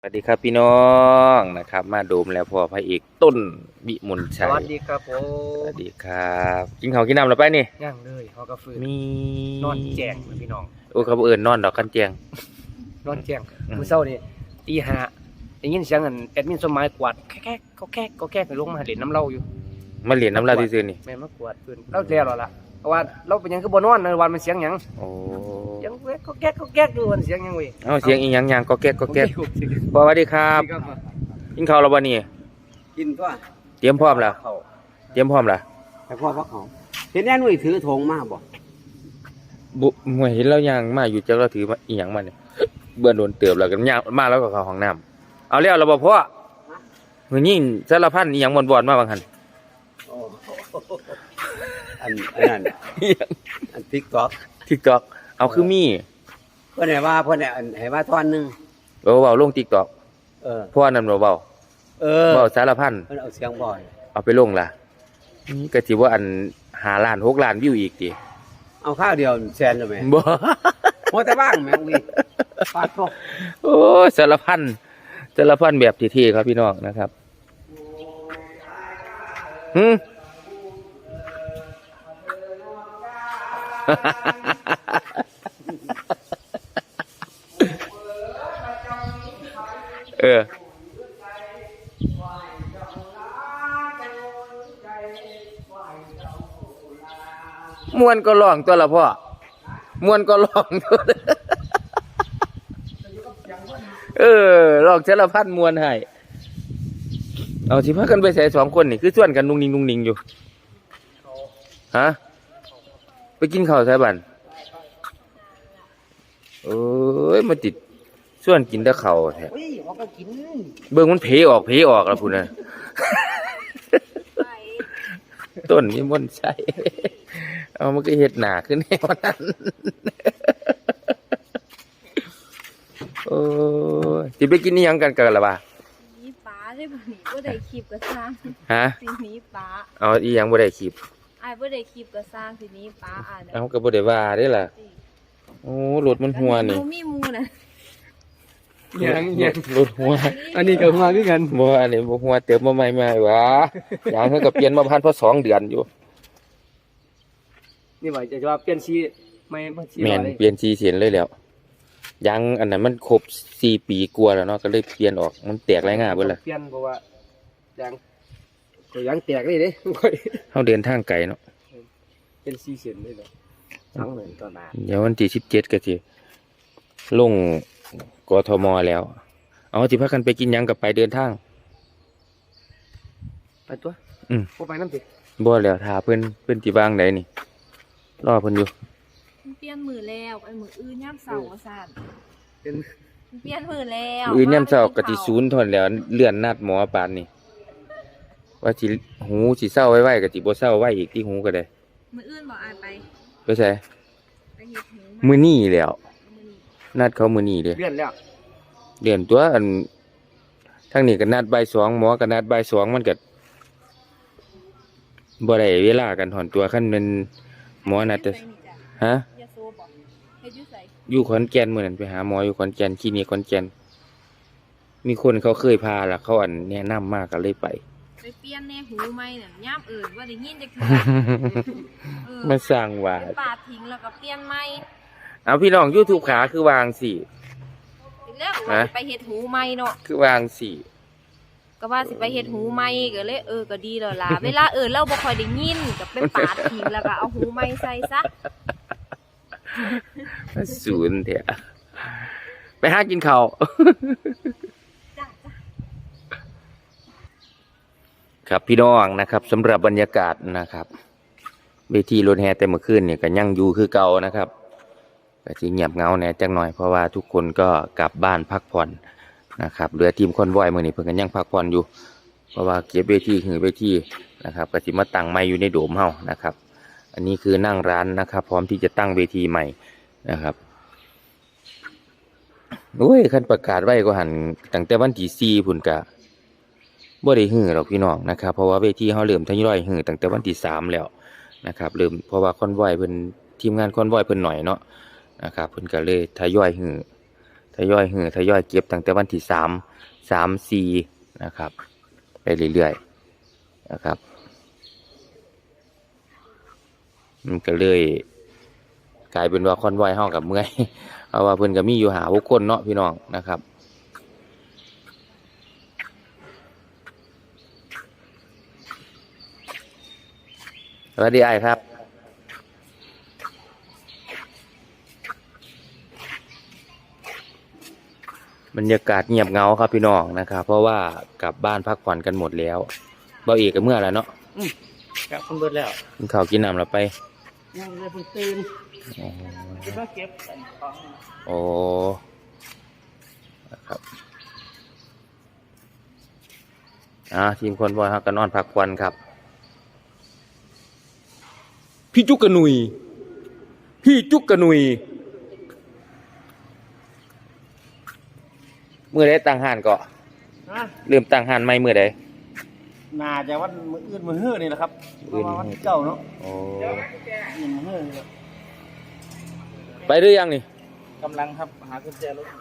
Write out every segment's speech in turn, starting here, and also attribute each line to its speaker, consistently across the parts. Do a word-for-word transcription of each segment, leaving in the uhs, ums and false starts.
Speaker 1: สวัสดีครับพี่น้องนะครับมาโดมแล้วพอพระเอกต้นวิมล
Speaker 2: ส
Speaker 1: ชัย
Speaker 2: วัสดีครับผ
Speaker 1: ส
Speaker 2: ม
Speaker 1: วัสดีครับกินข้าวกินน้ำแล้วไปนี่
Speaker 2: ย่างเลยเขาก็ฟื้น
Speaker 1: มี
Speaker 2: นอนแจ้งพี่น้อง
Speaker 1: โอ้เขาบ่เอิ้นนอนดอกกันแจง
Speaker 2: นอนแจ้ง
Speaker 1: อืม
Speaker 2: มื้อเช้านี่ตีห้าได้ยินเสียงอันแอดมินสมหมายกวาดแก๊กๆก็แก๊กก็แก๊กไปลงมาเล่นน้ำเหล้าอยู่
Speaker 1: มาเรียนน้ำลายซื่อๆนี่
Speaker 2: แม่นมากวาดฟื้นเราแล้วแล้วล่ะเพราะว่าเราเป็นหยังคือบ่นอนในวันมันเสียงหยัง
Speaker 1: โอ้
Speaker 2: เสียงแก๊กก็แก๊กก็แก๊กอยู่มันเสียงหยังเว้ย
Speaker 1: เอาเสียงอีหยังยังก็แก๊กก็แก๊ก
Speaker 2: โอเค
Speaker 1: สวัสดีครับกินข้าวแล้วบ่นี่
Speaker 3: กินตัว
Speaker 1: เตรียมพร้อมแล้ว
Speaker 3: เขา
Speaker 1: เตรียมพร้อมแล้ว
Speaker 3: แต่พ่อพักเขาเห็นแน่นุ่ยถือธงมาบ่
Speaker 1: บุหวยเห็นแล้วยังมาอยู่จักเราถือมาอีหยังมาเนี่ยเบื่อโดนเติบแล้วกันย่างมาแล้วก็เข้าห้องน้ำเอาแล้วเราบ่พ่อมื้อนี้สารพันอีหยังบ่อนๆมาบางหั่น
Speaker 3: อันอันนั้นอันทิกต็อก
Speaker 1: TikTok เอาคือมี
Speaker 3: เพื่อนไหนว่าเพื่อนไหนอันไหนว่าท่อนหนึง
Speaker 1: เว้าๆลง TikTok
Speaker 3: เออ
Speaker 1: พ่อนั่นบ่เว้า
Speaker 3: เออ
Speaker 1: เว้าสารพัน
Speaker 3: เพื่อนเอาเสียงบ่อย
Speaker 1: เอาไปลงล่ะนี่ก็สิว่าอันห้าล้านหกล้านวิวอีกติ
Speaker 3: เอาข้าวเดียวแซนเลยไหม
Speaker 1: บ่
Speaker 3: โมแต่บ้างแม่งวีฟาดโต
Speaker 1: โอ้ยสารพันสารพันแบบเท่ๆครับพี่น้องนะครับหืม เออมวนก็ร้องตัวละพ่อมวนก็ร้องตัวละเออร้องสารพันมวนให้เอาสิพากันไปใส่สองคนนี่คือส่วนกันนุ่งนิ่งนุ่งนิ่งอยู่ฮะไปกินข้าวใส่บันเอ้ยมาติดส่วนกินแต่ข้าวแท้
Speaker 3: เฮ้ยเขาก็กิน
Speaker 1: เบิ่งมันเพออกเพออกแล้วพุ่นน่ะ ต้นมีมนต์ใช่ เอามันก็เฮ็ดหนาขึ้นแนวนั้น โอ้ยสิไปกินนี่ยังกันกันล่ะบ่า
Speaker 4: หนีป้าได้บ่หนีบ่ได้คลิปก็สร้าง
Speaker 1: ฮะ
Speaker 4: สิหนีป้า
Speaker 1: เอาอีหยังบ่ได้คลิป
Speaker 4: อ้ายบ่ได้คลิปก็สร้างสิหนีป้าอ่าน
Speaker 1: เอาก็บ่ได้ว่าเด้ล่ะ โอ้รถมันหัวนี่
Speaker 4: บ่มีหมู่น่ะ
Speaker 2: ยังยัง
Speaker 1: รถหัว
Speaker 2: อันนี้ก็มาคือกัน
Speaker 1: บ่อันนี้บ่หัวเติมมาใหม่มาหวะยางเขาก็เปลี่ยนมาพันเพราะสองเดือนอยู่
Speaker 2: นี่ว่าจะว่าเปลี่ยนสีไม่บ่สี
Speaker 1: แม่น
Speaker 2: เลย
Speaker 1: เปลี่ยนสีเสียนเลยแล้วยางอันนั้นมันครบสี่ปีกว่าแล้วเนาะก็เลยเปลี่ยนออกมันแตกหลายง่าเบิดล่ะ
Speaker 2: เปลี่ยนเพราะว่ายังก็ยังแตกเลยเด้
Speaker 1: เฮาเดินทางไกลเนาะ
Speaker 2: เป็นสีเส้นเลยเหรอทั้งเลยตอนหน้า
Speaker 1: เดี๋ยววันที่สิบเจ็ดก็สิลงกทมแล้ว เอาสิพากันไปกินหยังกับไปเดินทาง
Speaker 2: ไปตัว
Speaker 1: อืม
Speaker 2: บ่ไปน้ำติ
Speaker 1: บ่แล้วถ้าเพิ่นเพิ่นสิวางใดนี่รอเพิ่นอยู่
Speaker 4: มันเปลี่ยนมือแล้วไอ้มืออื่นยามเช้าว่าซั่น
Speaker 2: เป็น
Speaker 4: มันเปลี่ยนมือแล้ว
Speaker 1: มื้อนี้ยามเช้าก็สิศูนย์ทนแล้วเลื่อนนัดหมอปานนี่ว่าสิหูสิเศร้าไว้ๆก็สิบ่เศร้าไว้อีกที่หูก็ได้
Speaker 4: มืออื่นบ่อายไป
Speaker 1: ไปไส
Speaker 4: ไปเฮ็ดหู
Speaker 1: มื้อนี้แล้ว
Speaker 4: มื้อนี้
Speaker 1: นัดเขามื้อนี้เด้
Speaker 2: เลื่อนแล้ว
Speaker 1: เลื่อนตัวอันทางนี้ก็นัดบ่ายสองหมอก็นัดบ่ายสองมันก็บ่ได้เวลากันถอนตัวคันแม่นหมอนัดแต่
Speaker 4: เฮ็ดอยู่ไสนี่จ้ะ
Speaker 1: ฮะ
Speaker 4: ยาโซบ่เฮ็ดอยู่ไส
Speaker 1: อยู่ขอนแก่นมื้อนั้นไปหาหมออยู่ขอนแก่นคลินิกขอนแก่นมีคนเขาเคยพาล่ะเขาอันแนะนำมาก็เลยไป
Speaker 4: ไปเปลี่ยนแน่หูใหม่น่ะยามอื่นบ่ได้ยินจักเทื่อเออ
Speaker 1: มาสร้างว่า
Speaker 4: ไปปาดทิ้งแล้วก็เปลี่ยนใหม่
Speaker 1: เอาพี่น้อง YouTube ขาคือวางสิ
Speaker 4: ทีแล้วก็ว่าสิไปเฮ็ดหูใหม่เนาะ
Speaker 1: คือวางสิ
Speaker 4: ก็ว่าสิไปเฮ็ดหูใหม่ก็เลยเออก็ดีแล้วล่ะ เวลาเออเราบ่ค่อยได้ยินก็ไปปาดทิ้งแล้วก็เอาหูใหม่ใส่ซะ
Speaker 1: ศูนย์เถอะไปหากินข้าว
Speaker 4: จ้ะจ้ะ
Speaker 1: ครับพี่น้องนะครับสำหรับบรรยากาศนะครับเวทีรถแห่แต่เมื่อคืนเนี่ยก็ยังอยู่คือเก่านะครับก็สิเงียบเหงาแหน่จักหน่อยเพราะว่าทุกคนก็กลับบ้านพักผ่อนนะครับเหลือทีมคอนวอยมื้อนี้เพิ่นก็ยังพักผ่อนอยู่เพราะว่าเก็บเวทีหือเวทีนะครับก็สิมาตั้งไม้อยู่ในโดมเฮานะครับ อันนี้คือนั่งร้านนะครับ พร้อมที่จะตั้งเวทีใหม่นะครับโอ้ยคันประกาศไว้ก็หันตั้งแต่วันที่สี่พุ่นกะบ่ได้หื้อหรอกพี่น้องนะครับเพราะว่าเวทีเฮาเริ่มทยอยหื้อตั้งแต่วันที่สามแล้วนะครับเริ่มเพราะว่าคอนวอยเพิ่นทีมงานคอนวอยเพิ่นหน่อยเนาะนะครับเพิ่นก็เลยทยอยหื้อทยอยหือทยอยเก็บตั้งแต่วันที่สามสามสี่นะครับไปเรื่อยๆนะครับมันก็เลยกลายเป็นว่าคอนวอยเฮากับเมื่อย เพราะว่าเพิ่นก็มีอยู่หาหกคนเนาะพี่น้องนะครับสวัสดีไอ้ครับบรรยากาศเงียบเงาครับพี่น้องนะครับเพราะว่ากลับบ้านพักผ่อนกันหมดแล้วเบาเอกกับเมื่อแล้วเนาะ
Speaker 2: กลับคนเบิดแล้ว
Speaker 1: กินข้าวกินน้ำแล้วไป
Speaker 2: ยังเลยเพิ่งตื่น
Speaker 1: อ๋อ
Speaker 2: คิดว่าเก็บของ
Speaker 1: โอ้นะครับอ่าทีมคนบอยฮักกันนอนพักควันครับ พี่จุกกระหนุย พี่จุกกระหนุยเมื่อใดตั้งห้านก็
Speaker 2: ฮะ
Speaker 1: เริ่มตั้งห้านใหม่เมื่อใด
Speaker 2: น่าจะวันมื้ออื่นมื้อฮื้อนี่แหละครับเพราะว่าวันที่เก้าเนาะ
Speaker 1: โอ้
Speaker 2: อืมมื้อฮื้อนี่แหละ
Speaker 1: ไปหรือยังนี่
Speaker 2: กำลังครับหากุญแจรถ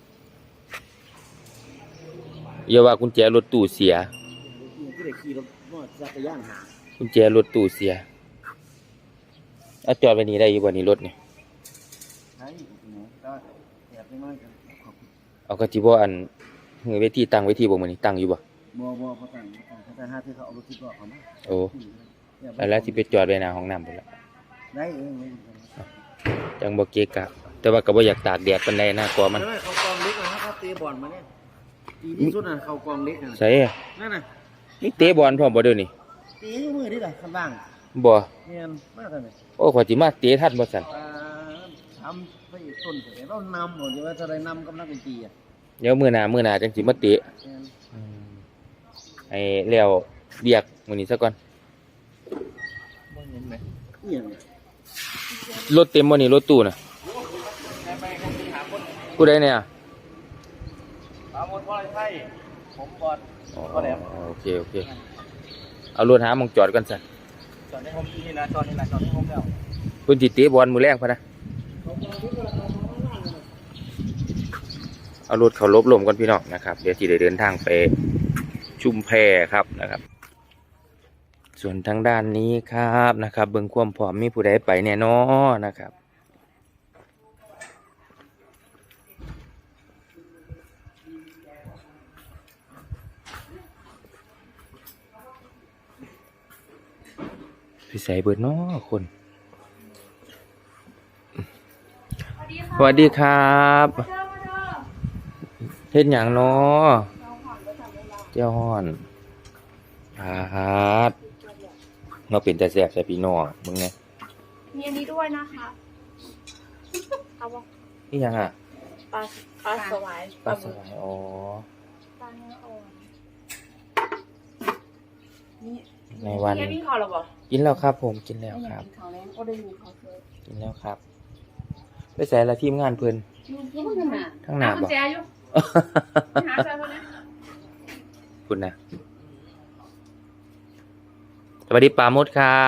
Speaker 1: อย่าว่ากุญแจรถตู้เสีย
Speaker 2: ที่ได้ขี่รถมอเตอร์จักรยานหา
Speaker 1: กุญแจรถตู้เสียเอาจอดไว้นี่ได้อยู่บ่นี่รถนี่
Speaker 2: ใช่หนูก็แอบไปน้อยกันขอบคุณ
Speaker 1: เอาก็สิบ่อันเฮือเวทีตั้งเวทีบ่มื้อนี้ตั้งอยู่บ่
Speaker 2: บ่บ่เขาตั้งเขาตั้งเขาจะหาที่เขาเอารถที่ก็เขามา
Speaker 1: โอ้แล้วสิไปจอดไว้หน้าห้องน้ำพุ่นละ
Speaker 2: ได้เอง
Speaker 1: จังบ่เกะกะ แต่ว่าก็บ่อยากตากแดดปานใดนะกลัวมัน
Speaker 2: ไม่เขากองเล็กนะครับเขาเตะบอลมาเนี่ยดีที่สุดน่ะเขากองเล็กน่ะ
Speaker 1: ใส่
Speaker 2: นั่นน่ะ
Speaker 1: มีเตะบอลพร้อมบ่เดี๋ยวนี้
Speaker 2: ตีมือนี่แหละข้างล่าง
Speaker 1: บ่
Speaker 2: เนียนมากเลย
Speaker 1: โอ้ขอยสิมาเตะทันบ่ซั่น
Speaker 2: อ่าทำไปต้นเสร็จแล้วนำหมดเดี๋ยวว่าจะได้นำกำลังดนตรีอ่ะ
Speaker 1: เดี๋ยวมื้อหน้ามื้อหน้าจังสิมาเตะ
Speaker 2: เนียน
Speaker 1: ให้แล้วเบียกมื้อนี้ซะก่อน
Speaker 2: บ่เห็นไหมเอียงเนี่ย
Speaker 1: รถเต็มบ่นี่รถตู้น่ะ
Speaker 2: ไปกันที่หาคน
Speaker 1: ผู้ใดเนี่ย
Speaker 2: หาหมดพ่อไทยผมบอล
Speaker 1: อ๋อ
Speaker 2: ก็แล้ว
Speaker 1: โอเคโอเคเอารถหาหมองจอดก่อนซั่น
Speaker 2: จอดในผมที่นี่นะจอดนี่นะจอดในผมแล้ว
Speaker 1: เพิ่นสิเตะบอลมื้อแรงพะนะเอารถเข้าลบลมก่อนพี่น้องนะครับเดี๋ยวสิได้เดินทางไปชุมแพครับนะครับ ส่วนทางด้านนี้ครับนะครับเบิ่งความพร้อมมีผู้ใดไปแน่นอนนะครับพี่ใส่เบิดเนาะคนสวัสดีครับเฮ็ดหยังเนาะเจ้าฮ้อนครับเราเป็นแต่แสบแต่พี่น้องมึงไง
Speaker 4: มีอันนี้ด้วยนะคะเอาบ่
Speaker 1: นี่ยังอ่ะ
Speaker 4: ปลาปลาสวาย
Speaker 1: ปลาสวายอ๋อ
Speaker 4: ปลาเนื้ออ่อน
Speaker 1: ในวัน
Speaker 4: นี่พี่ขอหรอบ่
Speaker 1: กินแล้วครับผมกินแล้วครับ
Speaker 4: กินเขาแล้วก็ได้ยินเขาเคย
Speaker 1: กินแล้วครับไปใส่ละทีมงานเพิ่น
Speaker 4: ยุ่งยุ่งกันน่ะ
Speaker 1: ทั้งหน้า
Speaker 4: กุญ
Speaker 1: บ่
Speaker 4: แจอยู่หาเจอคนนี้
Speaker 1: คุณนะสวัสดีปาโมดครับ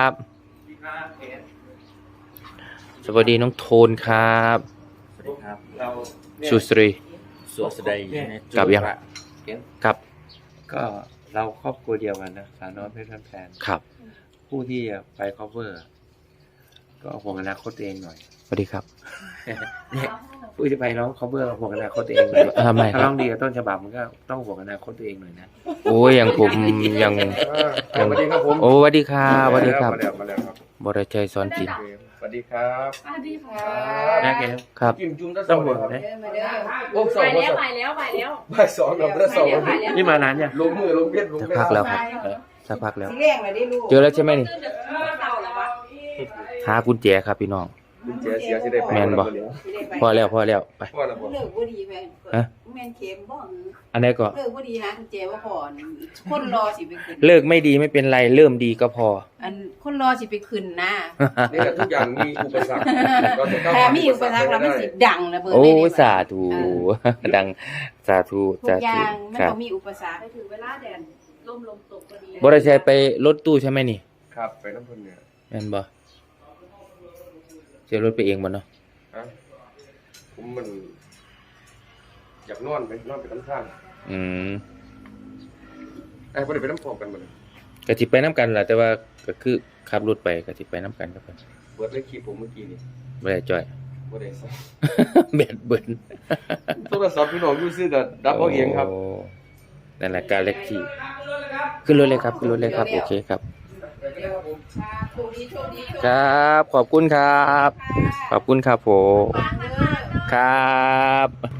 Speaker 1: สวัสดีน้องโทนครับ
Speaker 3: สวัสดีครับ เรา
Speaker 1: สุสรี
Speaker 3: สวสดี
Speaker 1: กลับยัง ครับ
Speaker 3: ก็เราครอบครัวเดียวกันนะสาวน้อยเพชรแฟน
Speaker 1: ครับ
Speaker 3: ผู้ที่จะไป cover ก็ห่วงอนาคตตัวเองหน่อย
Speaker 1: สวัสดีครับ
Speaker 3: เนี่ยผู้ที่ไปร้อง cover ห่วงอนาคตตัวเองหน่อย
Speaker 1: ทำไมค
Speaker 3: ถ้า
Speaker 1: รั
Speaker 3: ร้
Speaker 1: บ
Speaker 3: องดีกับต้นฉบับมันก็ต้องห่วงอนาคตตัวเองหน่อยนะ
Speaker 1: โอ้ยอย่างผมยัง
Speaker 3: สวัสดีครับผม
Speaker 1: โอ้สวัสดีครับสวัสดีครับ
Speaker 3: มาแล้วมาแล้วครับ
Speaker 1: บรชัยสอนศิลป์
Speaker 3: สวัสดีครับ
Speaker 4: สวัสดีค่ะ
Speaker 3: แม่แก
Speaker 1: ครับ
Speaker 3: จิ้มจุ่มต้องห่วงนะโอ้ส
Speaker 4: ไป
Speaker 3: อง
Speaker 4: แล้วไปแล้วไปแล้ว
Speaker 3: บ่ายสองกับบ่ายสอง
Speaker 4: ไปแล้ว
Speaker 3: นี่มานานยังลงมือลงเพียรลง
Speaker 1: สัก
Speaker 3: เพียร
Speaker 1: พักแล้วครับสักพักแล้ว
Speaker 5: สีแรงเลยดิลูก
Speaker 1: เจอแล้วใช่ไหมนี่
Speaker 4: ตื่นจากเต่าแล้ววะ
Speaker 1: หากุญแจครับพี่น้อง
Speaker 3: กุญแจเสียสิได้ไป
Speaker 1: แม่นบ่
Speaker 5: สิได้ไป
Speaker 1: พอแล้วพอแล้วไป
Speaker 3: พ่อละบ่
Speaker 5: เลิกบ่ดีแม่
Speaker 1: ฮะ
Speaker 5: แม่นเข็มบ่
Speaker 1: อันนี้ก็
Speaker 5: เลิกบ่ดีนะคุณเจว่าพอคนรอสิไปขึ้น
Speaker 1: เลิกไม่ดีไม่เป็นไรเริ่มดีก็พอ
Speaker 5: อันคนรอสิไปขึ้นนะ
Speaker 3: นี่แหละทุกอย่างมีอุปสรรคเราจะก้าว
Speaker 5: แต่
Speaker 3: ผ่าน
Speaker 5: มีอุปสรรคแล้วมันสิดังระเบิด
Speaker 1: โอ้
Speaker 5: เลยเด้
Speaker 1: ยสาธุดังสาธุ
Speaker 5: ทุ
Speaker 1: สาก
Speaker 5: อ
Speaker 1: ธุ
Speaker 5: ย่างมัน
Speaker 1: ครับ
Speaker 5: บ่มีอุปสรรค
Speaker 4: ไปถึงเวลาแดดลมลมตกพอดี
Speaker 1: บริชัยไปรถตู้ใช่ไหมนี่
Speaker 3: ครับไปน้ำพุนเนี่ย
Speaker 1: แม่นบ่เจอรถไปเองบ่เนาะ
Speaker 3: ฮะผมมันอยากนอนไปนอนไปน้ำข้าง
Speaker 1: อืม
Speaker 3: ไอ้พวกเด็กไปน้ำพร้อมกันหมดเลย
Speaker 1: ก็สิไปน้ำกันล่ะแต่ว่าก็คือขับรถไปก็สิไปน้ำกันครับเพิ่น
Speaker 3: เบิร์ดเลยคลิปผมเมื่อกี้นี่
Speaker 1: บ่ได้จ้อย
Speaker 3: บ่ได้ใส่
Speaker 1: แบดเบิ่น
Speaker 3: โทรศัพท์พี่น้องอยู่ซื้อกับดับเอาเองครับ
Speaker 1: โนั่นแหละการเล็กที่ขึ้นรถเลยครับขึ้นรถเลยครับโอเคครับ
Speaker 5: ค่ะโชคดีโชคดี
Speaker 1: ครับ ขอบคุณครับ ขอบคุณครับผม
Speaker 5: วางเด้อ
Speaker 1: ครับ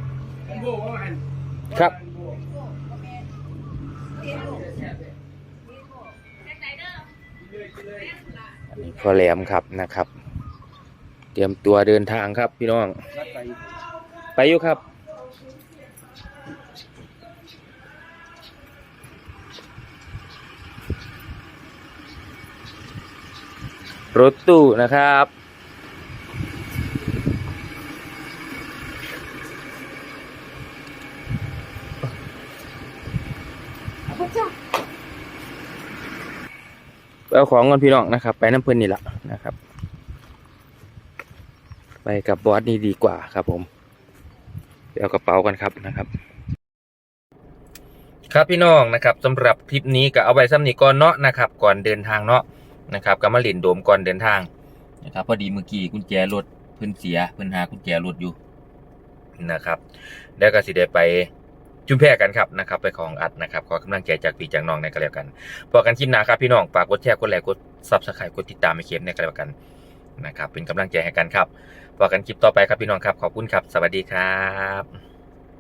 Speaker 1: ครับอันนี้พ่อแหลมครับนะครับ เตรียมตัวเดินทางครับพี่น้อง ไปอยู่ครับ รถตู้นะครับไปเอาของกันพี่น้องนะครับ ไปน้ำเพื่อนนี่แหละนะครับ ไปกับบอสนี่ดีกว่าครับผมไปเอากระเป๋ากันครับนะครับ ครับพี่น้องนะครับสำหรับคลิปนี้ก็เอาไว้ซ้ำนี้ก่อนเนาะนะครับก่อนเดินทางเนาะนะครับก็มาเล่นโดมก่อนเดินทางนะครับพอดีเมื่อกี้กุญแจรถเพิ่นเสียเพิ่นหากุญแจรถอยู่นะครับแล้วก็สิได้ไปจุ่มแพกันครับนะครับไปของอัดนะครับขอกำลังใจจากพี่จากน้องในกันแล้วกันพอกันคลิปหน้าครับพี่น้องฝากกดแชร์กดไลค์กด ซับสไครบ์ กดติดตามให้เข็มในกันแล้วกันนะครับเป็นกำลังใจให้กันครับพอกันคลิปต่อไปครับพี่น้องครับขอบคุณครับสวัสดีครับ